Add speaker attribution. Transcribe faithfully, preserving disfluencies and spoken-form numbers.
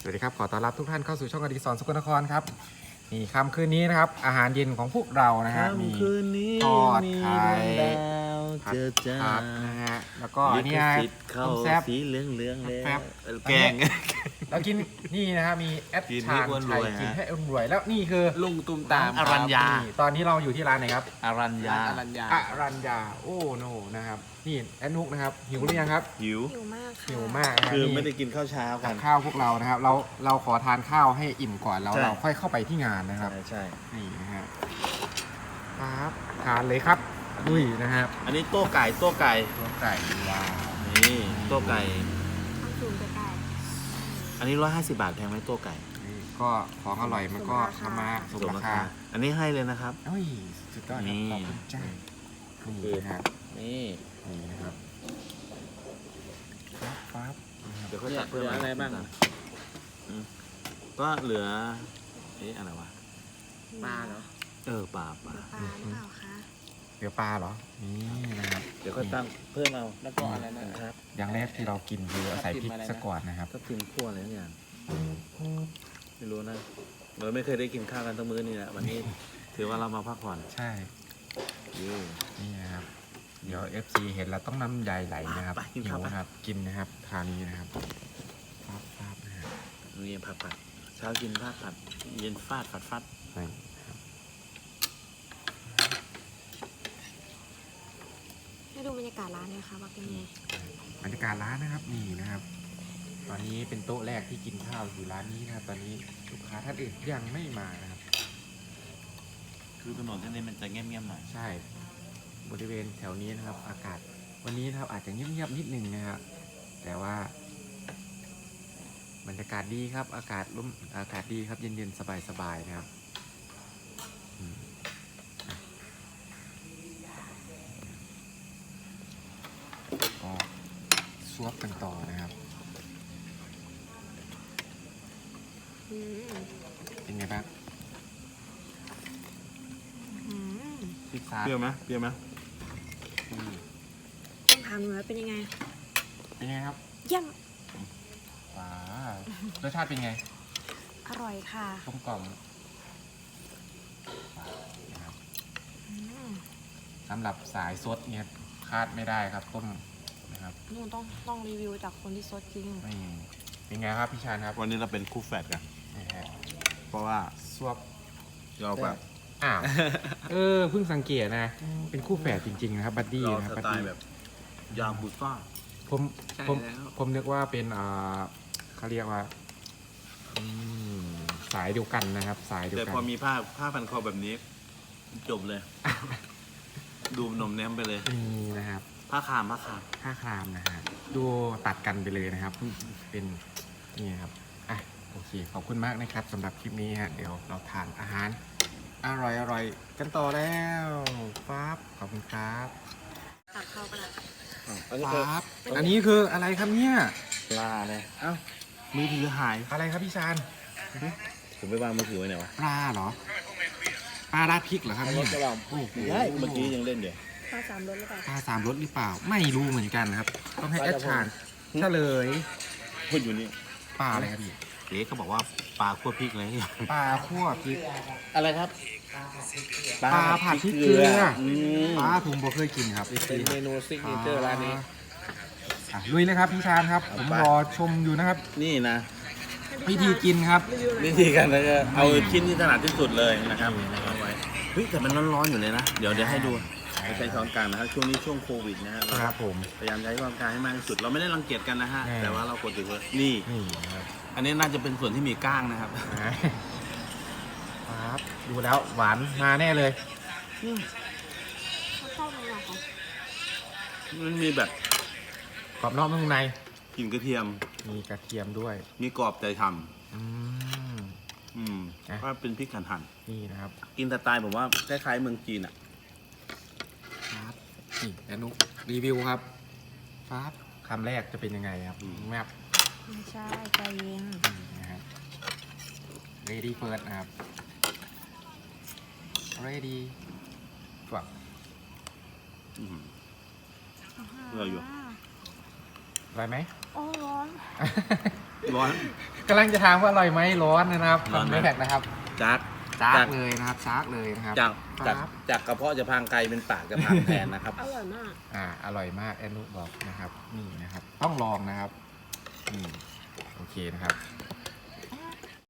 Speaker 1: สวัสดีครับขอต้อนรับทุกท่านเข้าสู่ช่องอดิศรสกลนครครับนี่ค่ำคืนนี้นะครับอาหารเย็นของพวกเรานะฮะมี
Speaker 2: คืนนี้
Speaker 1: ทอดไข่
Speaker 2: ผัด
Speaker 1: ผัด
Speaker 2: เจอจ้า
Speaker 1: ผัดนะฮะแล้วก็อัน
Speaker 2: ลิ
Speaker 1: นี้
Speaker 2: ข
Speaker 1: ฮะ
Speaker 2: สิทธิ์เข้า
Speaker 1: ต้มแซ่บ
Speaker 2: สีเหลืองเหลืองๆแล้ว
Speaker 1: แซ่บ
Speaker 2: เออแกง
Speaker 1: แล้วกินนี่นะฮะมีแอด
Speaker 2: กิน
Speaker 1: ชา
Speaker 2: ให้
Speaker 1: ญ
Speaker 2: อ้วนร
Speaker 1: ชัย
Speaker 2: วยฮะ
Speaker 1: กินให้อ้วนรวยแล้วนี่คือ
Speaker 3: ลุงตุ้มตาม
Speaker 2: อรัญญา
Speaker 1: นี่ตอนนี้เราอยู่ที่ร้านไหนครับ
Speaker 2: อารัญญา
Speaker 3: อรัญญา
Speaker 1: อรัญญาโอ้โนนะครับนี่แอดนุกนะครับหิวหรือยังครับ
Speaker 2: หิว
Speaker 4: หิวมากค่ะ
Speaker 1: หิวมากนะฮะ
Speaker 2: คือ
Speaker 1: นี่
Speaker 2: ไม่ได้กินข้าวเช้ากั
Speaker 1: กัน บข้าวพวกเรานะครับ เราเราขอทานข้าวให้อิ่มก่อนแล้ว
Speaker 2: ใช่
Speaker 1: เราค่อยเข้าไปที่งานนะครับ
Speaker 2: ใช่ใช่
Speaker 1: นี่นะฮะครับทานเลยครับดุยนะครับ
Speaker 2: อันนี้โต๊ะไก่โต๊ะไก่
Speaker 1: ตัวไก่ว้าว
Speaker 2: นี่โต๊ะไก่
Speaker 4: ต้องซูมใกล้
Speaker 2: อันนี้ร้อยห้าสิบบาทแพงไหมโต๊ะไก่
Speaker 1: นี่ก็ของอร่อยมันก็ทำมาสมราคา
Speaker 2: อันนี้ให้เลยนะครับ
Speaker 1: เอ้ยสุดยอดครับ
Speaker 2: นี่
Speaker 1: ขอบคุณจ้านี่นะครับ
Speaker 2: นี่
Speaker 1: นี่นะครับปั๊บปั๊บนะครับ
Speaker 2: เดี๋ยวเขา
Speaker 3: เนี่ย
Speaker 2: จัดเพิ่ม
Speaker 3: เหลืออะไรบ้าง
Speaker 2: อืมก็เหลือเอ๊ะอะไรวะ
Speaker 4: ๆ
Speaker 3: ปลาเหรอ
Speaker 2: เออปลาปลา
Speaker 4: ปลาหรือเปล่าคะ
Speaker 1: เดี๋ยวปลาเหรอนี่นะครับ
Speaker 2: เดี๋ยวเขาตั้งเพิ่มเอา
Speaker 3: แล้วก็อะไรนะครับ
Speaker 1: อย่างแรกที่เรากินคือใส่พริกซะก่อนนะครับ
Speaker 2: ก็พิมพ์ขั้วอะไรอย่างไม่รู้นะเราไม่เคยได้กินข้าวกันทั้งมื้อนี่แหละวันนี้ ถือว่าเรามาพักผ่อน
Speaker 1: ใช่
Speaker 2: เย้
Speaker 1: นี่นะครับ เดี๋ยว เอฟ ซี เห็นแล้วต้องน้ำใยไหลนะครับ
Speaker 2: ไปกิน
Speaker 1: หิ
Speaker 2: ข้าว
Speaker 1: ว
Speaker 2: ไป
Speaker 1: นะครับ กินนะครับทานนี้นะครับปั๊บปั๊บนะฮะ
Speaker 2: นี่ผัดผัดเช้ากินผัดผัดเย็นฟาดผัดฟัด
Speaker 1: นี่ครับ
Speaker 4: ให้ดูบรรยากาศร้านหน่อยค่ะว่าเป็นไง
Speaker 1: บรรยากาศร้านนะครับนี่นะครับ ตอนนี้เป็นโต๊ะแรกที่กินข้าวอยู่ร้านนี้นะครับ ตอนนี้ลูกค้าท่านอื่นยังไม่มานะครับ
Speaker 2: คือถนนเส้นนี้มันจะเงียบๆหน่อย
Speaker 1: ใช่ บริเวณแถวนี้นะครับ อากาศวันนี้นะครับอาจจะเงียบๆนิดนึงนะครับ แต่ว่า บรรยากาศดีครับ อากาศร่มอากาศดีครับ เย็นๆสบายๆนะครับอืมอ่ะก็ซวบกันต่อนะครับ
Speaker 4: อืม
Speaker 1: เป็นไงบ้าง
Speaker 4: อืม
Speaker 1: พิซซ่า
Speaker 2: เปรี้ยวไหมเปรี้ยวไหม
Speaker 1: อืม
Speaker 4: ต้องถามหนูว่าเป็นยังไง
Speaker 1: เป็นไงครับ
Speaker 4: เยี่ยม
Speaker 1: ว้ารสชาติเป็นไง
Speaker 4: อร่อยค่ะ
Speaker 1: กลมกล่อมว้าวนะครับ
Speaker 4: อืม
Speaker 1: สำหรับสายซดเนี่ยคาดไม่ได้ครับต้มนะครับ
Speaker 4: หนูต้องต้องรีวิวจากคนที่ซดจริง
Speaker 1: นี่เป็นไงครับพี่ชานครับ
Speaker 2: วันนี้เราเป็นคู่แฝดกัน
Speaker 1: นี่ฮะ
Speaker 2: เพราะว่า
Speaker 1: ซวบ
Speaker 2: เราแบบ
Speaker 1: อ้าว เออเพิ่งสังเกตนะ เป็นคู่แฝดจริงๆนะครับ บัดดี้
Speaker 2: เรา
Speaker 1: นะค
Speaker 2: ส
Speaker 1: รับบัด
Speaker 2: ไต
Speaker 1: ดี้
Speaker 2: ล์แบบยางบุซ่า
Speaker 1: ผม
Speaker 3: ใช่
Speaker 1: ผม
Speaker 3: แล้ว
Speaker 1: ผมนึกว่าเป็นอ่าเขาเรียกว่าอืมสายเดียวกันนะครับ สายเดียว
Speaker 2: แต่
Speaker 1: กั
Speaker 2: พอน มีผ้าผ้าพันคอแบบนี้ จบเลย ดูหนมแนมไปเลย
Speaker 1: นี่นะครับ
Speaker 2: ผ้าคามผ้าคาม
Speaker 1: ผ้าครามนะฮะดูตัดกันไปเลยนะครับ เป็นนี่ครับอ่ะโอเคขอบคุณมากนะครับสำหรับคลิปนี้ฮะเดี๋ยวเราทานอาหารอร่อยอร่อยกันต่อแล้วปั๊บขอบคุณครับ
Speaker 4: ตักเข้าก็ได้
Speaker 2: อันนี้คือ
Speaker 1: ปั๊บอันนี้คืออะไรครับเนี่ย
Speaker 2: ปลาเลยเอ้ามือถือหาย
Speaker 1: อะไรครับพี่ชาน
Speaker 2: ผมไปวางมือถือไว้ไหนวะ
Speaker 1: ปลาเหรอปลาราดพริกเหรอครับ
Speaker 2: ร
Speaker 1: นี่
Speaker 2: ถกระบะ
Speaker 1: โอ้โห
Speaker 2: ใช่เมื่อกี้ยังเล่นอยู่
Speaker 4: ข้าวสามรสหรือเปล่า
Speaker 1: ปลาสามรสหรือเปล่า ไม่รู้เหมือนกันครับ ต้องให้
Speaker 2: ป
Speaker 1: แอ
Speaker 2: ลา
Speaker 1: ด
Speaker 2: จะพง
Speaker 1: ชานเฉลย
Speaker 2: พูดอยู่นี่
Speaker 1: ปลาอะไรครับพี่
Speaker 2: เจ๊เขาบอกว่าปลาคั่วพริกอะไรอย่างเงี้ย
Speaker 1: ปลาคั่วพริก
Speaker 2: อะไรครับ
Speaker 1: ปลาผัดพริกเกลือ
Speaker 2: อืม
Speaker 1: ปลาผมบ่เคยกินครับ
Speaker 3: เป็นเมนูซิกเนเจอร์ร้านนี้
Speaker 1: อ่ะลุยเลยครับพี่ชานครับ ผมรอชมอยู่นะครับ
Speaker 2: นี่นะ
Speaker 1: วิธีกินครับ
Speaker 2: วิธีการแล้วก็เอาชิ้นที่ถนัดที่สุดเลยนะครับเอาไว้เฮ้ยแต่มันร้อนๆอยู่เลยนะ เดี๋ยวเดี๋ยวให้ดูไม่ใช้ช้อนกลางนะครับช่วงนี้ช่วงโควิดนะฮะ
Speaker 1: ครับผม
Speaker 2: พยายามใช้ช้อนกลางให้มากที่สุด เราไม่ได้รังเกียจกันนะฮะ
Speaker 1: แน่
Speaker 2: แต่ว่าเรากดถือว่านี่
Speaker 1: นี่นะครับ
Speaker 2: อันนี้น่าจะเป็นส่วนที่มีก้างนะครับ
Speaker 1: ครับดูแล้วหวานมาแน่เลย
Speaker 4: ข้าวตรงไหนคะ
Speaker 2: มันมีแบบ
Speaker 1: กรอบนอกนุ่มใน
Speaker 2: กลิ่นกระเทียม
Speaker 1: มีกระเทียมด้วย
Speaker 2: มีกรอบใจท
Speaker 1: อืม
Speaker 2: ำอืม
Speaker 1: อ่ะ
Speaker 2: ว่าเป็นพริกหั่น
Speaker 1: นี่นะครับ
Speaker 2: ๆกินสไตล์ผมว่าคล้ายๆเมืองจีนอ่ะ
Speaker 1: ครับนี่แอนุรีวิวครับครับคำแรกจะเป็นยังไงครับแมป
Speaker 4: ไม่ใช่ใจเย็น
Speaker 1: นี่นะครับ ready first นะครับ ready จวบ
Speaker 2: อืม อร่อยอยู่
Speaker 1: อร่อยไหม
Speaker 4: โอ้ร้อน
Speaker 1: เ
Speaker 2: ร้อน
Speaker 1: กำลังจะถามว่าอร่อยไหมร้อนนะครับ
Speaker 2: ร้อนไหม
Speaker 1: ไม่แพ็กนะครับ
Speaker 2: จัก
Speaker 1: จ้า
Speaker 2: จาก
Speaker 1: เลยนะครับจ้าเลยนะครับ
Speaker 2: จากจาก
Speaker 1: ครับ
Speaker 2: จากกระเพาะจะพางไกลเป็นปากจะพางแทนนะครับ
Speaker 4: อร่อยมาก
Speaker 1: อ่าอร่อยมากแอนนุบอกนะครับนี่นะครับ ต้องลองนะครับอืมโอเคนะครับ